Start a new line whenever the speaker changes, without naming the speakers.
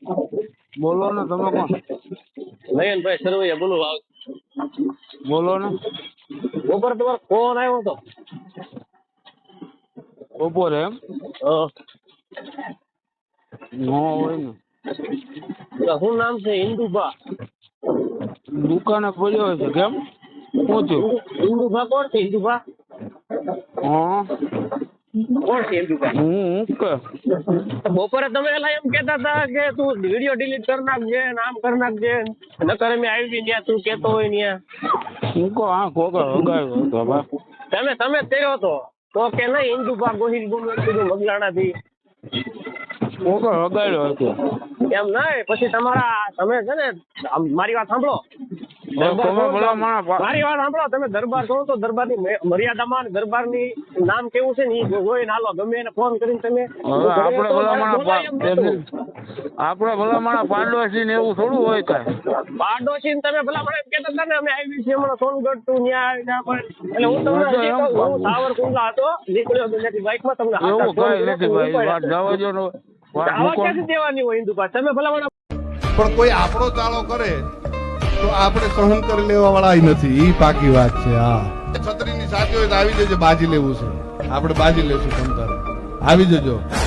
બોલો ને તમે કોણ?
નયનભાઈ સરવૈયા બોલો.
બોલો ને.
બપોર તમારો ફોન આવ્યો હતો.
બપોરે એમ? નો હોય ને.
શું નામ છે? ઇન્દુભા.
દુકાને પડ્યો હોય છે કેમ? શું થયું?
ઇન્દુભા કોણ છે? ઇન્દુભા
હા
કોણ છે? ઇન્દુભા
હું કે
બપોરે તમે એલા એમ કેતા હતા કે તું વિડીયો ડિલીટ કરી નાખજે, આમ કરી નાખજે, નકર મેં આવી ત્યાં તું કેતો હોય ત્યાં.
હું કહો હા કોકા હગાવ્યો હતો બા.
તમે જ કર્યો હતો તો કે નહીં? ઇન્દુભા ગોહિલ કીધું મગલાણા થી
કોકા હગાવ્યો હતો.
એમ નહીં. પછી તમે છે ને મારી વાત સાંભળો.
તમે ભલા
મારી વાત સાંભળો. તમે દરબાર છો તો દરબારની મર્યાદામાં દરબારની નામ કેવું છે ને એ જોઈને હાલો. ગમે એને ફોન કરીને તમે
આપણે ભલા માણા પાડોશી ને એવું થોડું હોય કાંઈ.
પાડોશી તમે ભલા મને કહેતા હતા ને અમે આવી છીએ હમણાં સોનગઢ તું ત્યાં એટલે હું તમને સાવરકુંડલા હતો નીકળ્યો હતો ત્યાંથી બાઇકમાં તમને
એવું કાંઈ નથી ભાઈ. વાત જવા દો ને.
આવા ક્યાંથી દેવાની હોય હિન્દુ પાસે? તમે ભલા
પણ કોઈ આપણો ચાળો કરે તો આપણે સહન કરી લેવા વાળા નથી. ઈ પાકી વાત છે. હા, છત્રીની સાથે હોય તો આવી જજો. બાજી લેવું છે આપણે, બાજી લેશું તમ તારે આવી જજો.